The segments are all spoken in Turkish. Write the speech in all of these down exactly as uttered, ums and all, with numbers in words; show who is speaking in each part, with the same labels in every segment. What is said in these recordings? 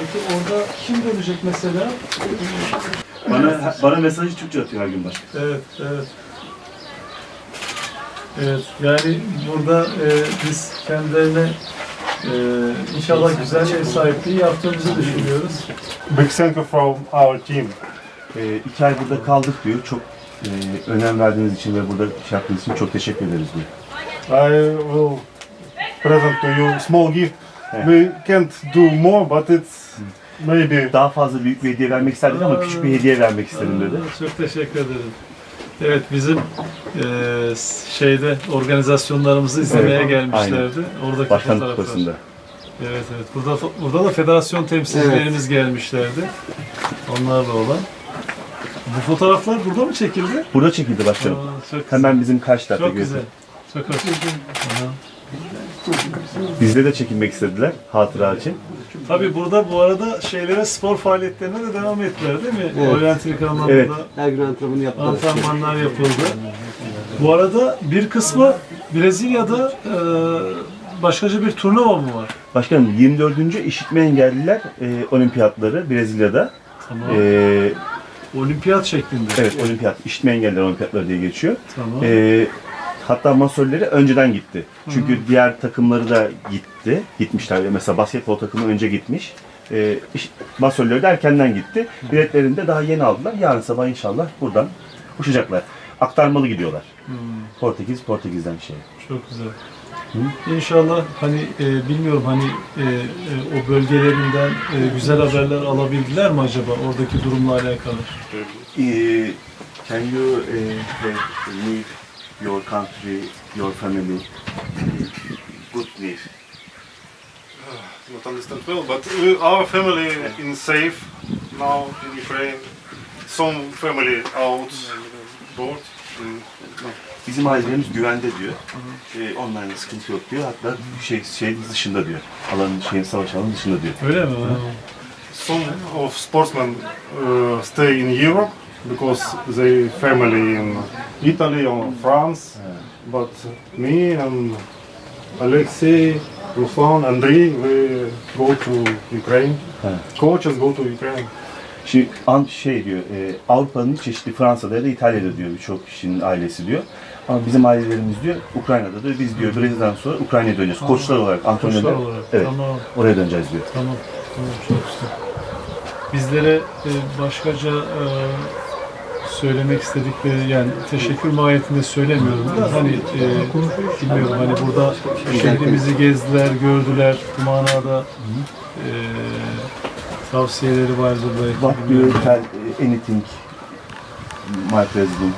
Speaker 1: Peki orada kim dönecek mesela?
Speaker 2: Bana bana mesajı Türkçe atıyor her gün başka.
Speaker 1: Evet, evet. Evet, yani burada e, biz kendilerine e, inşallah güzel ev sahipliği yaptığımızı düşünüyoruz.
Speaker 3: Big thank you from our team.
Speaker 2: E, iki ay burada kaldık diyor. Çok e, önem verdiğiniz için ve burada şey yaptığınız için çok teşekkür ederiz diyor.
Speaker 3: I will present to you small gift. We can't do more, but it's maybe.
Speaker 2: Daha fazla büyük bir hediye vermek isterdik ama küçük bir hediye vermek istedim dedi.
Speaker 1: Çok teşekkür ederim. Evet, bizim e, şeyde organizasyonlarımızı izlemeye
Speaker 2: Evet,
Speaker 1: gelmişlerdi. Oradaki
Speaker 2: Başkanlık
Speaker 1: fotoğraflar.
Speaker 2: kupasında.
Speaker 1: Evet, evet. Burada burada da federasyon temsilcilerimiz gelmişlerdi. Onlarla olan. Bu fotoğraflar burada mı çekildi?
Speaker 2: Burada çekildi başkanım.
Speaker 1: Aa, çok
Speaker 2: Hemen bizim karşı tarafta
Speaker 1: Çok güzel.
Speaker 2: görüyorsun.
Speaker 1: Çok hoş. Aha.
Speaker 2: Bizde de çekinmek istediler hatıra için.
Speaker 1: Tabii burada bu arada şeylere, spor faaliyetlerine de devam ettiler değil mi? Evet. Oryantilik anlamında
Speaker 2: Evet.
Speaker 4: Her gün antrenmanı yaptılar.
Speaker 1: antrenmanlar yapıldı. Bu arada bir kısmı Brezilya'da e, başkaca bir turnuva mı var?
Speaker 2: Başkanım yirmi dördüncü işitme engelliler e, olimpiyatları Brezilya'da.
Speaker 1: Tamam.
Speaker 2: E,
Speaker 1: Olimpiyat şeklinde.
Speaker 2: evet olimpiyat, işitme engelliler olimpiyatları diye geçiyor.
Speaker 1: Tamam.
Speaker 2: E, hatta masörleri önceden gitti. Çünkü Hı-hı. diğer takımları da gitti. Gitmişler. Mesela basketbol takımı önce gitmiş. E, iş, masörleri de erkenden gitti. Biletlerini de daha yeni aldılar. Yarın sabah inşallah buradan uçacaklar. Aktarmalı gidiyorlar.
Speaker 1: Hmm.
Speaker 2: Portekiz, Portekiz'den şey.
Speaker 1: Çok güzel. Hı? İnşallah hani e, bilmiyorum hani e, e, o bölgelerinden e, güzel haberler alabildiler mi acaba oradaki durumla alakalı?
Speaker 2: E, can you uh, leave your country, your family, good live?
Speaker 3: Not understand well, but we, our family in safe now in Ukraine. Some family out board.
Speaker 2: Bizim ailelerimiz güvende diyor. Ee, onlarla sıkıntı yok diyor. Hatta şey şey dışında diyor. Alanın şeyin savaş alanının dışında diyor.
Speaker 1: Öyle mi?
Speaker 3: Some of sportsmen uh, stay in Europe because they family in Italy or France. But me and Alexei, Ruslan, Andrei, we go to Ukraine. Coaches go to Ukraine.
Speaker 2: Şimdi an şey diyor. E, Avrupa'nın çeşitli Fransa'da ya da İtalya'da diyor birçok kişinin ailesi diyor. Ama bizim ailelerimiz diyor Ukrayna'da diyor. Biz diyor Brezilya'dan sonra Ukrayna'ya döneceğiz. Koçlar olarak, antrenörler.
Speaker 1: Koçlar olarak.
Speaker 2: Evet.
Speaker 1: Tamam.
Speaker 2: Oraya döneceğiz diyor.
Speaker 1: Tamam. Tamam. Çok güzel. Bizlere e, başkaca e, söylemek istedikleri yani teşekkür mahiyetinde söylemiyorum da hani e, bilmiyorum hani burada şehrimizi gezdiler, gördüler bu manada e, tavsiyeleri vardır belki.
Speaker 2: What do you tell uh, anything, my president?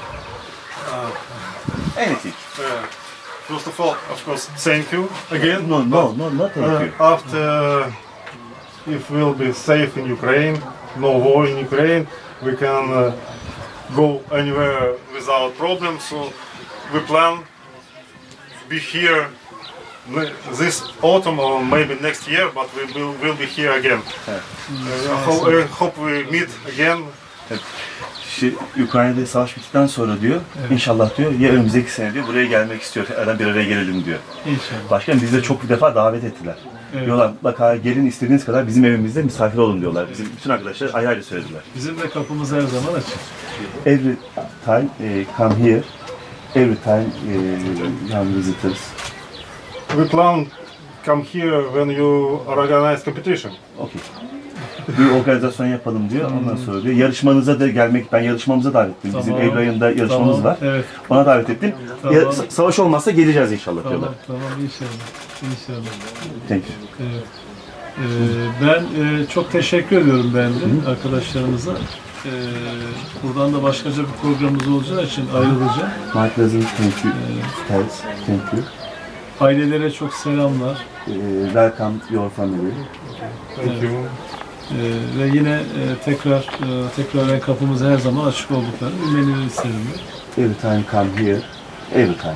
Speaker 2: Anything.
Speaker 3: Uh, first of all, of course, thank you again.
Speaker 2: No, no, no, not thank
Speaker 3: Uh,
Speaker 2: you.
Speaker 3: after, if we'll be safe in Ukraine, no war in Ukraine, we can uh, go anywhere without problems. So we plan be here this autumn or maybe next year, but we will, will be here again.
Speaker 2: Evet.
Speaker 3: Uh, I hope, I hope we meet again.
Speaker 2: Şey, Ukrayna'da savaş bittikten sonra diyor,
Speaker 1: Evet.
Speaker 2: inşallah diyor, ya önümüzdeki sene diyor, buraya gelmek istiyor, tekrardan bir araya gelelim diyor.
Speaker 1: İnşallah.
Speaker 2: Başkanım bizi de çok bir defa davet ettiler.
Speaker 1: Evet.
Speaker 2: Diyorlar, mutlaka gelin istediğiniz kadar bizim evimizde misafir olun diyorlar. Bizim bütün arkadaşlar ayrı ayrı söylediler.
Speaker 1: Bizim de kapımız her zaman açık.
Speaker 2: Every time eh, come here, every time eh, young visitors.
Speaker 3: We plan come here when you organize competition.
Speaker 2: Okay. Bir organizasyon yapalım diyor. Ondan sonra diyor yarışmanıza da gelmek, ben yarışmamıza davet ettim. Bizim
Speaker 1: Tamam.
Speaker 2: Eylül ayında yarışmamız
Speaker 1: Tamam,
Speaker 2: var.
Speaker 1: evet.
Speaker 2: Ona davet ettim.
Speaker 1: Tamam.
Speaker 2: Ya, sa- savaş olmazsa geleceğiz inşallah
Speaker 1: Tamam,
Speaker 2: diyorlar.
Speaker 1: tamam inşallah. İnşallah.
Speaker 2: Thank you.
Speaker 1: Evet. Ee, ben e, çok teşekkür ediyorum ben de arkadaşlarımıza. Ee, buradan da başkaca bir programımız olacağı için ayrılacağım.
Speaker 2: My president, thank you. Thanks, thank you.
Speaker 1: Ailelere çok selamlar.
Speaker 2: Eh, welcome your family.
Speaker 3: Thank you.
Speaker 1: Ee, ve yine e, tekrar e, tekrar kapımız her zaman açık olduklarını bilmeni isterim.
Speaker 2: Every time come here, every time.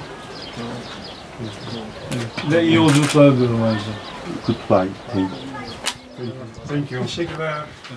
Speaker 1: Evet. Ve iyi yolculuklar diliyorum ayrıca.
Speaker 2: Goodbye, thank you.
Speaker 3: Thank you. Teşekkürler.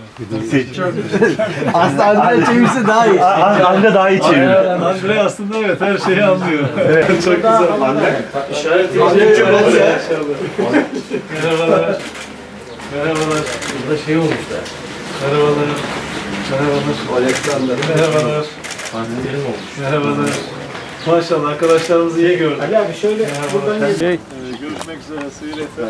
Speaker 4: Aslında Andrea çevirse daha iyi.
Speaker 2: Anne daha iyi çeviriyor.
Speaker 1: Andre aslında evet her şeyi anlıyor. Evet. Çok güzel.
Speaker 2: Anne.
Speaker 1: İşaret edecek çok oldu ya. Merhabalar. Merhabalar.
Speaker 4: Burada şey olmuş da.
Speaker 1: Merhabalar. Merhabalar.
Speaker 4: Alexander.
Speaker 1: Merhabalar.
Speaker 4: Anneleri olmuş.
Speaker 1: Merhabalar. Maşallah arkadaşlarımızı iyi gördük.
Speaker 4: Ali abi şöyle buradan gel.
Speaker 1: Şey, görüşmek üzere. Sıyırete.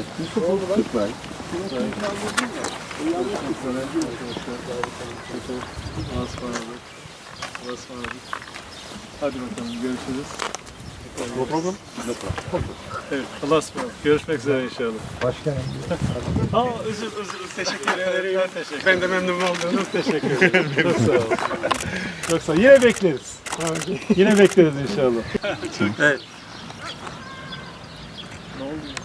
Speaker 1: Hadi bakalım görüşürüz. No problem. Evet, Allah'a ısmarladık. Görüşmek üzere inşallah. Başkanım. Ha, özür özür teşekkür ederim. Ben teşekkür Ben de memnun oldum. Teşekkür ederim. Çok sağ olun. Çok sağ olun. Yine bekleriz. Yine bekleriz inşallah. Evet. Ne oldu?